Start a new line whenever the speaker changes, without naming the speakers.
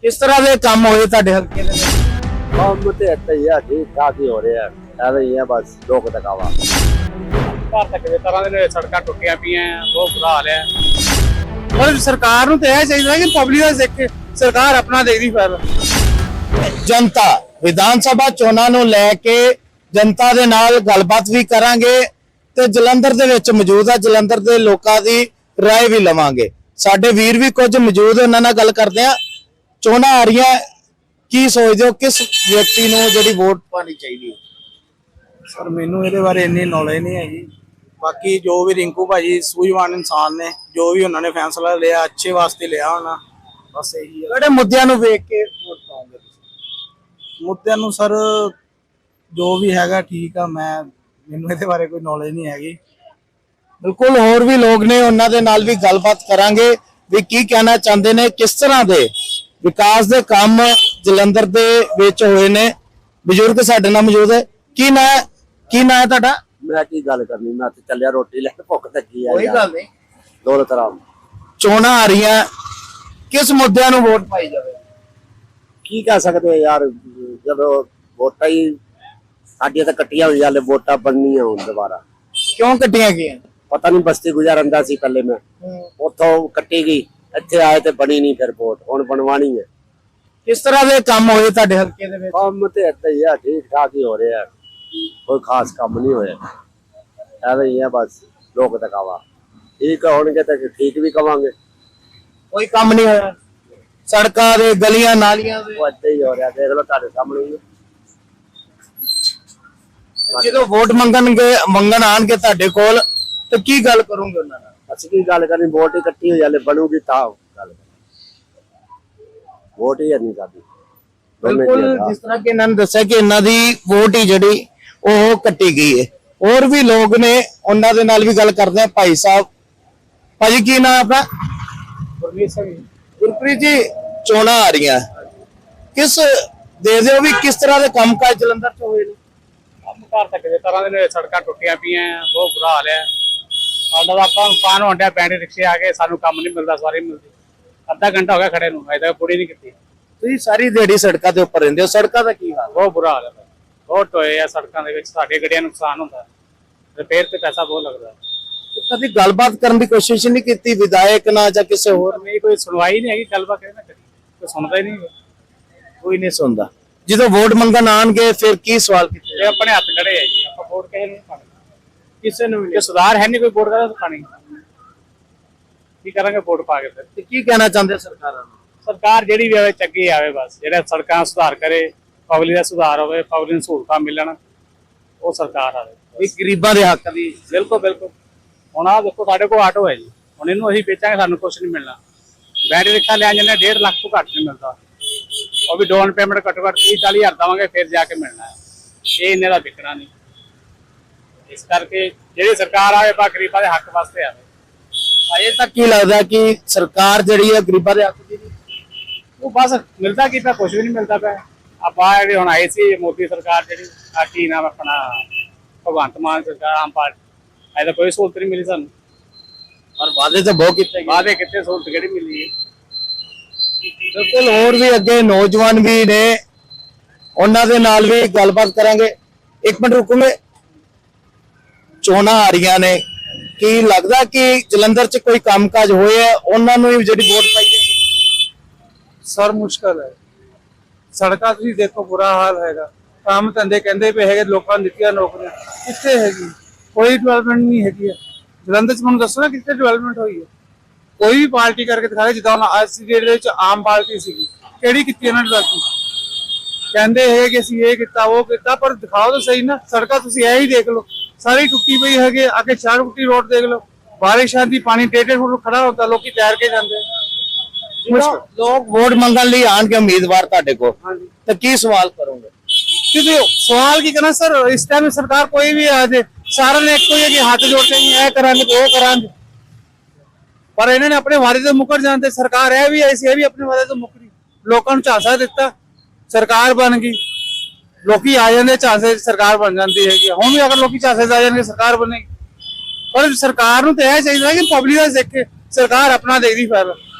ਕਿਸ ਤਰ੍ਹਾਂ ਦੇ ਕੰਮ ਹੋਏ ਤੁਹਾਡੇ ਹਲਕੇ ਦੇ ਵਿੱਚ?
ਕੰਮ ਤੇ ਇੱਥੇ ਹੀ ਆ, ਠੀਕ ਠਾਕ ਹੀ ਹੋ ਰਿਹਾ, ਐਵੇਂ ਹੀ ਆ ਬਸ ਲੋਕ ਦਿਖਾਵਾ।
ਘਰ ਤੱਕ ਦੇ ਤਰ੍ਹਾਂ ਦੇ ਸੜਕਾਂ ਟੁੱਟੀਆਂ ਪਈਆਂ, ਬਹੁਤ ਬੁਰਾ ਹਾਲ ਹੈ।
ਪਰ ਸਰਕਾਰ ਨੂੰ ਤਾਂ ਇਹ ਚਾਹੀਦਾ ਕਿ ਪਬਲਿਕ ਦਾ ਦੇਖ ਕੇ ਸਰਕਾਰ ਆਪਣਾ ਦੇਖਦੀ ਫਿਰ। ਜਨਤਾ ਵਿਧਾਨ ਸਭਾ ਚੋਣਾਂ ਨੂੰ ਲੈ ਕੇ ਜਨਤਾ ਦੇ ਨਾਲ ਗੱਲਬਾਤ ਵੀ ਕਰਾਂਗੇ ਤੇ ਜਲੰਧਰ ਦੇ ਵਿੱਚ ਮੌਜੂਦ ਆ ਜਲੰਧਰ ਦੇ ਲੋਕਾਂ ਦੀ ਰਾਏ ਵੀ ਲਵਾਂਗੇ। ਸਾਡੇ ਵੀਰ ਵੀ ਕੁਝ ਮੌਜੂਦ, ਉਹਨਾਂ ਨਾਲ ਗੱਲ ਕਰਦੇ ਆ। ਚੋਣਾਂ ਆ ਰਹੀਆਂ, ਕੀ ਸੋਚਦੇ ਹੋ ਕਿਸ ਵਿਅਕਤੀ ਨੂੰ ਜਿਹੜੀ ਵੋਟ ਪਾਣੀ ਚਾਹੀਦੀ ਹੈ?
ਸਰ ਮੈਨੂੰ ਇਹਦੇ ਬਾਰੇ ਇੰਨੀ ਨੌਲੇਜ ਨਹੀਂ ਹੈਗੀ। ਬਾਕੀ ਜੋ ਵੀ ਰਿੰਕੂ ਭਾਜੀ ਸੂਝਵਾਨ ਇਨਸਾਨ ਨੇ, ਜੋ ਵੀ ਉਹਨਾਂ ਨੇ ਫੈਸਲਾ ਲਿਆ ਅੱਛੇ ਵਾਸਤੇ ਲਿਆ ਹੋਣਾ, ਬਸ ਇਹੀ ਹੈ।
ਕਿਹੜੇ ਮੁੱਦਿਆਂ ਨੂੰ ਵੇਖ ਕੇ ਵੋਟ ਪਾਉਂਗੇ ਤੁਸੀਂ?
ਮੁੱਦਿਆਂ ਨੂੰ ਸਰ ਜੋ ਵੀ ਹੈਗਾ ਠੀਕ ਆ, ਮੈਨੂੰ ਇਹਦੇ ਬਾਰੇ ਕੋਈ ਨੌਲੇਜ ਨਹੀਂ ਹੈਗੀ।
ਬਿਲਕੁਲ, ਹੋਰ ਵੀ ਲੋਕ ਨੇ, ਉਹਨਾਂ ਦੇ ਨਾਲ ਵੀ ਗੱਲਬਾਤ ਕਰਾਂਗੇ ਵੀ ਕੀ ਕਹਿਣਾ ਚਾਹੁੰਦੇ ਨੇ, ਕਿਸ ਤਰ੍ਹਾਂ ਦੇ ਵਿਕਾਸ ਦੇ ਕੰਮ ਜਲੰਧਰ ਦੇ ਵਿੱਚ ਹੋਏ ਨੇ। ਬਜ਼ੁਰਗ ਸਾਡੇ ਨਾਲ ਮੌਜੂਦ ਹੈ। ਕੀ ਨਾਂ ਹੈ ਤੁਹਾਡਾ?
ਮੈਂ ਕੀ ਗੱਲ ਕਰਨੀ, ਮੈਂ ਤੇ ਚੱਲਿਆ ਰੋਟੀ ਲੈ ਕੇ, ਭੁੱਖ ਲੱਗੀ ਆ।
ਕੋਈ ਗੱਲ ਨਹੀਂ।
ਦੌਲਤ ਰਾਮ,
ਚੋਣਾਂ ਆ ਰਹੀਆਂ, ਕਿਸ ਮੁੱਦਿਆਂ ਨੂੰ ਵੋਟ ਪਾਈ ਜਾਵੇ?
ਕੀ ਕਹਿ ਸਕਦੇ ਯਾਰ, ਜਦੋਂ ਵੋਟਾਂ ਹੀ ਸਾਡੀਆਂ ਤਾਂ ਕੱਟੀਆਂ ਹੋਈਆਂ, ਹਲੇ ਵੋਟਾਂ ਬਣਨੀਆਂ ਹੁਣ ਦੁਬਾਰਾ।
ਕਿਉਂ ਕੱਟੀਆਂ ਗਈਆਂ?
ਪਤਾ ਨਹੀਂ, ਬਸਤੀ ਗੁਜ਼ਾਰਦਾ ਸੀ ਪਹਿਲੇ ਮੈਂ, ਉੱਥੋਂ ਕੱਟੀ ਗਈ, ਇੱਥੇ ਆਏ ਤੇ ਬਣੀ ਨਹੀਂ, ਫਿਰ ਵੋਟ ਹੁਣ ਬਣਵਾਣੀ ਹੈ।
ਕਿਸ ਤਰ੍ਹਾਂ ਦੇ ਕੰਮ ਹੋਏ ਤੁਹਾਡੇ ਹਲਕੇ ਦੇ ਵਿੱਚ?
ਕੰਮ ਤੇ ਇੱਥੇ ਹੀ ਆ, ਠੀਕ ਠਾਕ ਹੀ ਹੋ ਰਿਹਾ, ਕੋਈ ਖਾਸ ਕੰਮ ਨਹੀਂ ਹੋਇਆ, ਐਵੇਂ ਹੀ ਆ ਬਸ ਲੋਕ ਦਿਖਾਵਾ। ਠੀਕ ਹੋਣਗੇ ਤਾਂ ਠੀਕ ਵੀ ਕਵਾਂਗੇ।
ਕੋਈ ਕੰਮ ਨਹੀਂ ਹੋਇਆ, ਸੜਕਾਂ ਦੇ, ਗਲੀਆਂ ਨਾਲੀਆਂ ਦੇ।
ਉਹ ਇੱਥੇ ਹੀ ਹੋ ਰਿਹਾ, ਦੇਖ ਲਓ ਤੁਹਾਡੇ ਸਾਹਮਣੇ ਹੀ।
ਜਦੋਂ ਵੋਟ ਮੰਗਣ ਆਣਗੇ ਤੁਹਾਡੇ ਕੋਲ ਤੇ ਕੀ ਗੱਲ ਕਰੋਗੇ ਉਹਨਾਂ ਨਾਲ?
ਅਸੀਂ ਕੀ ਗੱਲ ਕਰਨੀ, ਵੋਟ ਹੀ ਇਕੱਠੀ ਹੋ ਜਾਲੇ, ਬਣੂਗੀ ਤਾਂ ਗੱਲ। ਵੋਟ ਹੀ ਨਹੀਂ ਸਾਡੀ।
ਬਿਲਕੁਲ, ਜਿਸ ਤਰ੍ਹਾਂ ਕਿ ਇਹਨਾਂ ਨੇ ਦੱਸਿਆ ਕਿ ਇਹਨਾਂ ਦੀ ਵੋਟ ਹੀ ਜਿਹੜੀ ਉਹ ਕੱਟੀ ਗਈ ਹੈ। ਹੋਰ ਵੀ ਲੋਕ ਨੇ, ਉਹਨਾਂ ਦੇ ਨਾਲ ਵੀ ਗੱਲ ਕਰਦੇ ਆ। ਭਾਈ ਸਾਹਿਬ, ਭਾਜੀ ਕੀ ਨਾਮ ਆਪਣਾ? ਗੁਰਪ੍ਰੀਤ ਜੀ, ਚੋਣਾਂ ਆ ਰਹੀਆਂ, ਕਿਸ ਦੇਖਦੇ ਹੋ ਵੀ ਕਿਸ ਤਰ੍ਹਾਂ ਦੇ ਕੰਮਕਾਜ ਜਲੰਧਰ ਚ ਹੋਏ ਨੇ?
ਘਰ ਤੱਕ ਦੇ ਤਰ੍ਹਾਂ ਦੇ ਸੜਕਾਂ ਟੁੱਟੀਆਂ ਪਈਆਂ, ਬਹੁਤ ਬੁਰਾ ਹਾਲ ਹੈ। ਸਾਡਾ ਤਾਂ ਆਪਾਂ ਨੁਕਸਾਨ ਹੋਣ ਡਿਆ, ਬੈਟਰੀ ਰਿਕਸ਼ੇ ਆ ਗਏ, ਸਾਨੂੰ ਕੰਮ ਨਹੀਂ ਮਿਲਦਾ, ਸਵਾਰੀ ਮਿਲਦੀ। ਅੱਧਾ ਘੰਟਾ ਹੋ ਗਿਆ ਖੜੇ ਨੂੰ, ਅਜੇ ਤੱਕ ਪੂਰੀ ਨਹੀਂ ਕੀਤੀ।
ਤੁਸੀਂ ਸਾਰੀ ਦਿਹਾੜੀ ਸੜਕਾਂ ਦੇ ਉੱਪਰ ਰਹਿੰਦੇ ਹੋ, ਸੜਕਾਂ ਦਾ ਕੀ ਹਾਲ?
ਬਹੁਤ ਬੁਰਾ ਹਾਲ ਹੈ, ਬਹੁਤ ਟੋਏ ਆ ਸੜਕਾਂ ਦੇ ਵਿੱਚ, ਸਾਡੀਆਂ ਗੱਡੀਆਂ ਨੂੰ ਨੁਕਸਾਨ ਹੁੰਦਾ, ਰਿਪੇਅਰ ਤੇ ਪੈਸਾ ਬਹੁਤ ਲੱਗਦਾ।
ਕਦੀ ਗੱਲਬਾਤ ਕਰਨ ਦੀ ਕੋਸ਼ਿਸ਼ ਨਹੀਂ ਕੀਤੀ ਵਿਧਾਇਕ ਨਾਲ ਜਾਂ ਕਿਸੇ ਹੋਰ?
ਨਹੀਂ, ਕੋਈ ਸੁਣਵਾਈ ਨਹੀਂ ਹੈਗੀ, ਗੱਲਬਾਤ ਕਿਹਦੇ ਨਾਲ ਕਰੀ, ਕੋਈ ਸੁਣਦਾ ਹੀ ਨਹੀਂ।
ਕੋਈ ਨਹੀਂ ਸੁਣਦਾ। ਜਦੋਂ ਵੋਟ ਮੰਗਣ ਆਣਗੇ ਫਿਰ ਕੀ ਸਵਾਲ ਕੀਤੇ?
ਇਹ ਆਪਣੇ ਹੱਥ ਖੜੇ ਹੈ ਜੀ, ਆਪਾਂ ਵੋਟ ਕਿਸੇ ਨੂੰ ਨਹੀਂ ਪਾਣੀ, ਕਿਸੇ ਨੂੰ ਵੀ। ਸੁਧਾਰ ਹੈ ਨਹੀਂ, ਕੋਈ ਵੋਟ ਕਰਦਾ ਤਾਂ ਪਾਣੀ ਕੀ ਕਰਾਂਗੇ ਵੋਟ ਪਾ ਕੇ? ਫਿਰ
ਤੇ ਕੀ ਕਹਿਣਾ ਚਾਹੁੰਦੇ ਸਰਕਾਰਾਂ ਨੂੰ?
ਸਰਕਾਰ ਜਿਹੜੀ ਵੀ ਆਵੇ ਚੰਗੀ ਆਵੇ, ਬਸ ਜਿਹੜਾ ਸੜਕਾਂ ਸੁਧਾਰ ਕਰੇ, ਪਬਲਿਕ ਦਾ ਸੁਧਾਰ ਹੋਵੇ, ਪਬਲਿਕ ਨੂੰ ਸਹੂਲਤਾਂ ਮਿਲਣ, ਉਹ ਸਰਕਾਰ ਆਵੇ।
ਵੀ ਗਰੀਬਾਂ ਦੇ ਹੱਕ ਦੀ।
ਬਿਲਕੁਲ ਬਿਲਕੁਲ। ਹੁਣ ਆਹ ਦੇਖੋ, ਸਾਡੇ ਕੋਲ ਆਟੋ ਹੈ ਜੀ, ਹੁਣ ਇਹਨੂੰ ਅਸੀਂ ਵੇਚਾਂਗੇ, ਸਾਨੂੰ ਕੁਛ ਨਹੀਂ ਮਿਲਣਾ। ਬੈਟਰੀ ਰਿਕਸ਼ਾ ਲਿਆ ਜਾਂਦੇ 1.5 ਲੱਖ ਤੋਂ ਘੱਟ ਨਹੀਂ ਮਿਲਦਾ, ਉਹ ਵੀ ਡਾਊਨ ਪੇਮੈਂਟ ਘੱਟੋ ਘੱਟ 30-40 ਹਜ਼ਾਰ ਦੇਵਾਂਗੇ ਫਿਰ ਜਾ ਕੇ ਮਿਲਣਾ ਹੈ। ਇਹ ਇੰਨੇ ਦਾ ਵਿਕਣਾ ਨਹੀਂ। ਇਸ ਕਰਕੇ ਜਿਹੜੀ ਸਰਕਾਰ ਆਵੇ ਬਾ ਗਰੀਬਾਂ ਦੇ ਹੱਕ ਵਾਸਤੇ ਆਵੇ।
ਅਜੇ ਤੱਕ ਕੀ ਲੱਗਦਾ ਕਿ ਸਰਕਾਰ ਜਿਹੜੀ ਹੈ ਗਰੀਬਾਂ ਦੇ ਹੱਕ ਦੀ ਨਹੀਂ?
ਉਹ ਬਸ ਮਿਲਦਾ ਕੀ ਪਿਆ, ਕੁਛ ਵੀ ਨਹੀਂ ਮਿਲਦਾ ਪਿਆ। ਆਪਾਂ ਜਿਹੜੀ ਹੁਣ ਆਈ ਸੀ ਮੋਦੀ ਸਰਕਾਰ, ਜਿਹੜੀ ਆ ਕੀ ਨਾਮ ਆਪਣਾ ਭਗਵੰਤ ਮਾਨ ਸਰਕਾਰ, ਆਮ ਪਾਰਟੀ, ਅਜੇ ਤਾਂ ਕੋਈ ਸਹੂਲਤ ਨਹੀਂ ਮਿਲੀ ਸਾਨੂੰ।
ਪਰ ਵਾਅਦੇ ਤਾਂ ਬਹੁਤ ਕੀਤੇ ਗਏ।
ਵਾਅਦੇ ਕਿੱਥੇ, ਸਹੂਲਤ ਕਿਹੜੀ ਮਿਲੀ ਹੈ?
ਬਿਲਕੁਲ, ਹੋਰ ਵੀ ਅੱਗੇ ਨੌਜਵਾਨ ਵੀ ਨੇ, ਉਹਨਾਂ ਦੇ ਨਾਲ ਵੀ ਗੱਲਬਾਤ ਕਰਾਂਗੇ। ਇੱਕ ਮਿੰਟ ਰੁਕੋਗੇ। ਚੋਣਾਂ ਆ ਰਹੀਆਂ ਨੇ, ਕੀ ਲੱਗਦਾ ਕਿ ਜਲੰਧਰ 'ਚ ਕੋਈ ਕੰਮਕਾਜ ਹੋਇਆ, ਉਹਨਾਂ ਨੂੰ ਵੀ ਜਿਹੜੀ ਵੋਟ ਪਾਈ ਹੈ?
ਸਰ ਮੁਸ਼ਕਲ ਹੈ, ਸੜਕਾਂ ਤੁਸੀਂ ਦੇਖੋ ਬੁਰਾ ਹਾਲ ਹੈਗਾ। ਕੰਮ ਧੰਦੇ ਕਹਿੰਦੇ ਪਏ ਹੈਗੇ, ਲੋਕਾਂ ਨੂੰ ਦਿੱਤੀਆਂ ਨੌਕਰੀਆਂ, ਕਿੱਥੇ ਹੈਗੀ? ਕੋਈ ਡਿਵੈਲਪਮੈਂਟ ਨਹੀਂ ਹੈਗੀ ਹੈ ਜਲੰਧਰ 'ਚ। ਮੈਨੂੰ ਦੱਸੋ ਨਾ ਕਿੱਥੇ ਡਿਵੈਲਪਮੈਂਟ ਹੋਈ ਹੈ? ਕੋਈ ਵੀ ਪਾਰਟੀ ਕਰਕੇ ਦਿਖਾ ਦੇ, ਜਿੱਦਾਂ ਹੁਣ ਅੱਜ ਦੀ ਡੇਟ ਦੇ ਵਿੱਚ ਆਮ ਪਾਰਟੀ ਸੀਗੀ, ਕਿਹੜੀ ਕੀਤੀ ਇਹਨਾਂ ਨੇ ਡਿਵੈਲਪਮੈਂਟ? ਕਹਿੰਦੇ ਹੈਗੇ ਕਿ ਅਸੀਂ ਇਹ ਕੀਤਾ ਉਹ ਕੀਤਾ, ਪਰ ਦਿਖਾਓ ਤਾਂ ਸਹੀ ਨਾ। ਸੜਕਾਂ ਤੁਸੀਂ ਇਹ ਹੀ ਦੇਖ ਲਓ, ਸਾਰੀ ਟੁੱਟੀ ਪਈ ਹੈਗੇ। ਅੱਗੇ ਚਾਰਕੁੱਟੀ ਰੋਡ ਦੇਖ ਲਓ, ਬਾਰਿਸ਼ਾਂ ਦੀ ਪਾਣੀ 1.5 ਫੁੱਟ ਖੜਾ ਹੁੰਦਾ, ਲੋਕੀ ਤੈਰ ਕੇ ਜਾਂਦੇ।
ਲੋਕ ਵੋਟ ਮੰਗਣ ਲਈ ਆਣਗੇ ਉਮੀਦਵਾਰ ਤੁਹਾਡੇ ਕੋਲ, ਤਾਂ ਕੀ ਸਵਾਲ ਕਰੋਗੇ?
ਕਿਉਂਕਿ ਸਵਾਲ ਕੀ ਕਰਨਾ ਸਰ, ਇਸ ਟਾਈਮ ਸਰਕਾਰ ਕੋਈ ਵੀ ਆ ਜਾਏ, ਸਾਰਿਆਂ ਨੇ ਇੱਕੋ ਹੀ ਹੱਥ ਜੋੜਦੇ ਨਹੀਂ, ਇਹ ਕਰਾਂਗੇ ਉਹ ਕਰਾਂਗੇ। ਪਰ ਇਹਨਾਂ ਨੇ ਆਪਣੇ ਵਾਅਦੇ ਤੋਂ ਮੁੱਕਰ ਜਾਂਦੇ। ਸਰਕਾਰ ਇਹ ਵੀ ਆਈ ਸੀ, ਇਹ ਵੀ ਆਪਣੇ ਵਾਅਦੇ ਤੋਂ ਮੁੱਕਰੀ, ਲੋਕਾਂ ਨੂੰ ਝਾਂਸਾ ਦਿੱਤਾ, ਸਰਕਾਰ ਬਣ ਗਈ। ਲੋਕੀ ਆ ਜਾਂਦੇ ਝਾਂਸੇ, ਸਰਕਾਰ ਬਣ ਜਾਂਦੀ ਹੈਗੀ। ਹੁਣ ਵੀ ਅਗਰ ਲੋਕੀ ਝਾਂਸੇ ਆ ਜਾਣਗੇ, ਸਰਕਾਰ ਬਣੇਗੀ। ਪਰ ਸਰਕਾਰ ਨੂੰ ਤਾਂ ਇਹ ਚਾਹੀਦਾ ਕਿ ਪਬਲਿਕ ਦਾ ਦੇਖ ਕੇ ਸਰਕਾਰ ਆਪਣਾ ਦੇਖਦੀ ਫਿਰ।